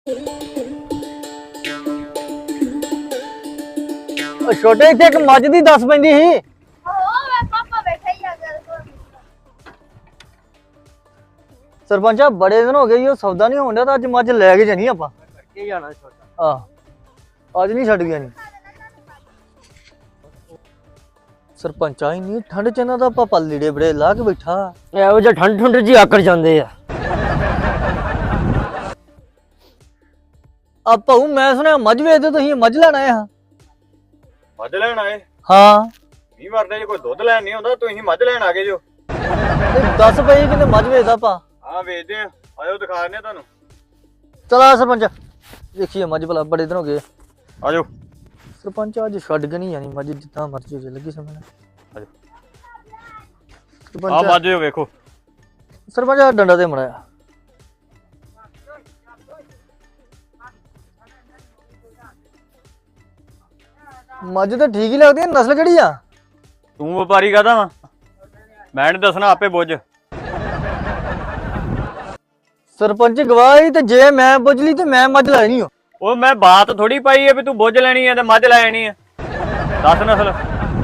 ਛੋਟੇ ਇੱਥੇ ਇੱਕ ਮੱਝ ਦੀ ਦੱਸ ਪੈਂਦੀ ਸੀ। ਸਰਪੰਚਾ ਬੜੇ ਦਿਨ ਹੋ ਗਏ ਉਹ ਸੌਦਾ ਨਹੀਂ ਹੋਣ ਡਿਆ ਤਾਂ ਅੱਜ ਮੱਝ ਲੈ ਕੇ ਜਾਣੀ ਆਪਾਂ ਕਰਕੇ ਜਾਣਾ ਛੋਟਾ। ਅੱਜ ਨਹੀਂ ਛੱਡ ਗਿਆ ਨਹੀਂ ਸਰਪੰਚਾ ਇੰਨੀ ਠੰਡ ਚ ਇਹਨਾਂ ਦਾ ਪਾਪਾ ਲੀੜੇ ਬੜੇ ਲਾ ਕੇ ਬੈਠਾ ਇਹੋ ਜਿਹਾ ਠੰਡ ਜੀ ਆਕੜ ਜਾਂਦੇ ਆ। ਭਾਊ ਮੈਂ ਸੁਣਿਆ ਮੱਝ ਵੇਚਦੇ ਤੁਸੀਂ ਮੱਝ ਲੈਣ ਆਏ ਹਾਂ। ਮੱਝ ਲੈਣ ਆਏ? ਹਾਂ ਮੀਂਹ ਵਰਦੇ ਜੇ ਕੋਈ ਦੁੱਧ ਲੈਣ ਨਹੀਂ ਆਉਂਦਾ ਤੁਸੀਂ ਮੱਝ ਲੈਣ ਆ ਗਏ ਜੋ। ਦੱਸ ਪਈ ਕਿਤੇ ਮੱਝ ਵੇਚਦਾ ਪਾ। ਹਾਂ ਵੇਚਦੇ ਆ, ਆਜੋ ਦਿਖਾ ਦਿੰਦੇ ਆ ਤੁਹਾਨੂੰ। ਚਲਾ ਸਰਪੰਚ ਦੇਖੀਏ ਮੱਝ ਭਲਾ ਬੜੇ ਦਿਨ ਹੋ ਗਏ। ਆਜੋ ਸਰਪੰਚ ਅੱਜ ਛੱਡ ਕੇ ਨਹੀਂ ਜਾਣੀ ਮੱਝ ਜਿੱਦਾਂ ਮਰਜ਼ੀ ਹੋ ਜੇ ਲੱਗੀ ਸਮਝ ਆਜੋ। ਆ ਸਰਪੰਚ ਮੱਝ ਜੋ ਵੇਖੋ। ਸਰਪੰਚ ਆਹ ਡੰਡਾ ਤੇ ਮੜਾਇਆ ਮੱਝ ਤਾਂ ਠੀਕ ਹੀ ਲੱਗਦੀ ਹੈ। ਨਸਲ ਕਿਹੜੀ ਆ? ਤੂੰ ਵਪਾਰੀ ਕਾਹਦਾ ਵਾ? ਮੈਂ ਨੀ ਦੱਸਣਾ, ਆਪੇ ਬੁੱਝ। ਸਰਪੰਚ ਗਵਾਹੀ ਤੇ ਜੇ ਮੈਂ ਪੁੱਛ ਲਈ ਤੇ ਮੈਂ ਮੱਝ ਲੈਣੀ ਹੋ। ਉਹ ਮੈਂ ਬਾਤ ਥੋੜੀ ਪਾਈ ਹੈ ਵੀ ਤੂੰ ਬੁੱਝ ਲੈਣੀ ਹੈ ਤੇ ਮੱਝ ਲੈ ਜਾਣੀ ਹੈ। ਦੱਸ ਨਸਲ।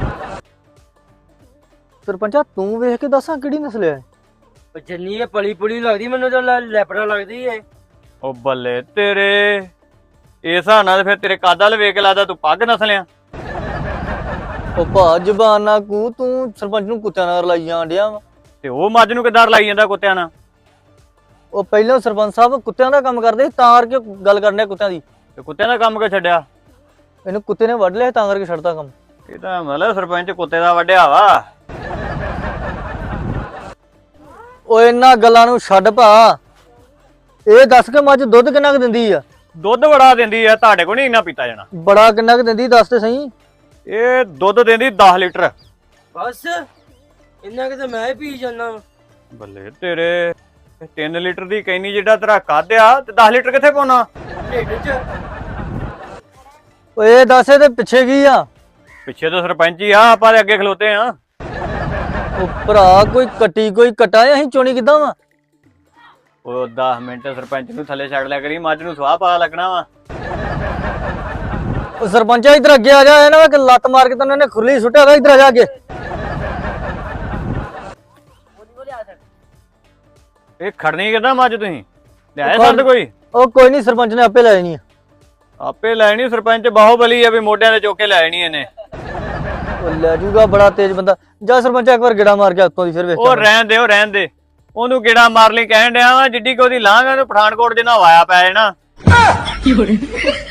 ਸਰਪੰਚਾ ਤੂੰ ਵੇਖ ਕੇ ਦੱਸਾਂ ਕਿਹੜੀ ਨਸਲ ਹੈ? ਜਿੰਨੀ ਇਹ ਪਲੀ ਪੁਲੀ ਲੱਗਦੀ ਮੈਨੂੰ ਤਾਂ ਲੈਪੜਾ ਲੱਗਦੀ ਏ। ਉਹ ਬੱਲੇ ਤੇਰੇ, ਇਸ ਹਿਸਾਬ ਨਾਲ ਫਿਰ ਤੇਰੇ ਕੱਦ ਵੱਲ ਵੇਖ ਕੇ ਲੱਗਦਾ ਤੂੰ ਪੱਗ ਨਸਲਿਆ। ਉਹ ਭਾ ਜ਼ਬਾਨ ਨਾ ਕੂ ਤੂੰ ਸਰਪੰਚ ਨੂੰ ਕੁੱਤਿਆਂ ਨਾਲ ਰਲਾਈ ਜਾਣ ਡਿਆ ਵਾ। ਤੇ ਉਹ ਮੱਝ ਨੂੰ ਕਿੱਦਾਂ ਲਾਈ ਜਾਂਦਾ ਕੁੱਤਿਆਂ ਨਾਲ? ਉਹ ਪਹਿਲਾਂ ਸਰਪੰਚ ਸਾਹਿਬ ਕੁੱਤਿਆਂ ਦਾ ਕੰਮ ਕਰਦੇ ਸੀ ਤਾਂ ਕਰਕੇ ਗੱਲ ਕਰਨ ਡਿਆ ਕੁੱਤਿਆਂ ਦੀ। ਤੇ ਕੁੱਤਿਆਂ ਦਾ ਕੰਮ ਕਿਉਂ ਛੱਡਿਆ? ਇਹਨੂੰ ਕੁੱਤੇ ਨੇ ਵੱਢ ਲਿਆ ਤਾਂ ਕਰਕੇ ਛੱਡਤਾ ਕੰਮ। ਇਹ ਤਾਂ ਮਤਲਬ ਸਰਪੰਚ ਕੁੱਤੇ ਦਾ ਵੱਢਿਆ ਵਾ। ਉਹ ਇਹਨਾਂ ਗੱਲਾਂ ਨੂੰ ਛੱਡ ਭਾ, ਇਹ ਦੱਸ ਕੇ ਮੱਝ ਦੁੱਧ ਕਿੰਨਾ ਕੁ ਦਿੰਦੀ ਆ? ਦੁੱਧ ਬੜਾ ਦਿੰਦੀ ਆ, ਤੁਹਾਡੇ ਕੋਲ ਨਹੀਂ ਇੰਨਾ ਪੀਤਾ ਜਾਣਾ। ਬੜਾ ਕਿੰਨਾ ਕੁ ਦਿੰਦੀ ਦੱਸ ਤੇ ਸਹੀ। ਇਹ ਦੁੱਧ ਦਿੰਦੀ 10 ਲੀਟਰ। ਬਸ ਇੰਨਾ ਕਿ ਮੈਂ ਹੀ ਪੀ ਜਾਂਦਾ। ਬੱਲੇ ਤੇਰੇ, 3 ਲੀਟਰ ਦੀ ਕੈਨੀ ਜਿਹੜਾ ਤੇਰਾ ਕੱਦ ਆ ਤੇ 10 ਲੀਟਰ ਕਿੱਥੇ ਪਾਉਣਾ? ਢਿੱਡ 'ਚ। ਓਏ ਦੱਸ ਇਹਦੇ ਪਿੱਛੇ ਕੀ ਆ? ਪਿੱਛੇ ਤਾਂ ਸਰਪੰਚ ਹੀ ਆ, ਆਪਾਂ ਦੇ ਅੱਗੇ ਖਲੋਤੇ ਆ। ਉਹ ਭਰਾ ਕੋਈ ਕੱਟੀ ਕੋਈ ਕਟਾ ਅਸੀਂ ਚੋਣੀ ਕਿੱਦਾਂ ਵਾ? ਉਹ 10 ਮਿੰਟ ਸਰਪੰਚ ਨੂੰ ਥੱਲੇ ਛੱਡ ਲਿਆ ਕਰੀ, ਮੱਝ ਨੂੰ ਸਵਾਹ ਪਾ ਲੱਗਣਾ ਵਾ। ਉਹ ਸਰਪੰਚਾ ਇੱਧਰ ਅੱਗੇ ਆ ਜਾ, ਇਹਨਾਂ ਕਿ ਲੱਤ ਮਾਰ ਕੇ ਤਾਂ ਉਹਨਾਂ ਨੇ ਖੁਰਲੀ ਸੁੱਟਿਆ ਵਾ। ਇੱਧਰ ਆ ਜਾ ਅੱਗੇ। ਇਹ ਖੜਨੀ ਕਿੱਦਾਂ ਮੱਝ ਤੁਸੀਂ ਲਿਆਏ ਸੰਦ ਕੋਈ? ਉਹ ਕੋਈ ਨਹੀਂ ਸਰਪੰਚ ਨੇ ਆਪੇ ਲੈ ਜਾਣੀ ਆ। ਆਪੇ ਲੈਣੀ? ਸਰਪੰਚ ਬਾਹੂਬਲੀ ਆ ਵੀ ਮੋਢਿਆਂ ਤੇ ਚੁੱਕ ਕੇ ਲੈ ਜਾਣੀ ਇਹਨੇ। ਉਹ ਲੈ ਜੂਗਾ, ਬੜਾ ਤੇਜ਼ ਬੰਦਾ। ਜਾ ਸਰਪੰਚ ਇੱਕ ਵਾਰ ਗੇੜਾ ਮਾਰ ਕੇ ਉੱਤੋਂ ਦੀ ਫਿਰ ਵੇਖ। ਉਹ ਰਹਿਣ ਦੇ, ਉਹ ਰਹਿਣ ਦੇ। ਉਹਨੂੰ ਗੇੜਾ ਮਾਰ ਲਈ ਕਹਿਣ ਡਿਆ ਵਾ, ਜਿੱਡੀ ਕਿ ਉਹਦੀ ਲਾਂਘ ਆ, ਉਹਨੂੰ ਪਠਾਨਕੋਟ ਜਿੰਨਾ ਵਾਇਆ ਪੈ ਜਾਣਾ।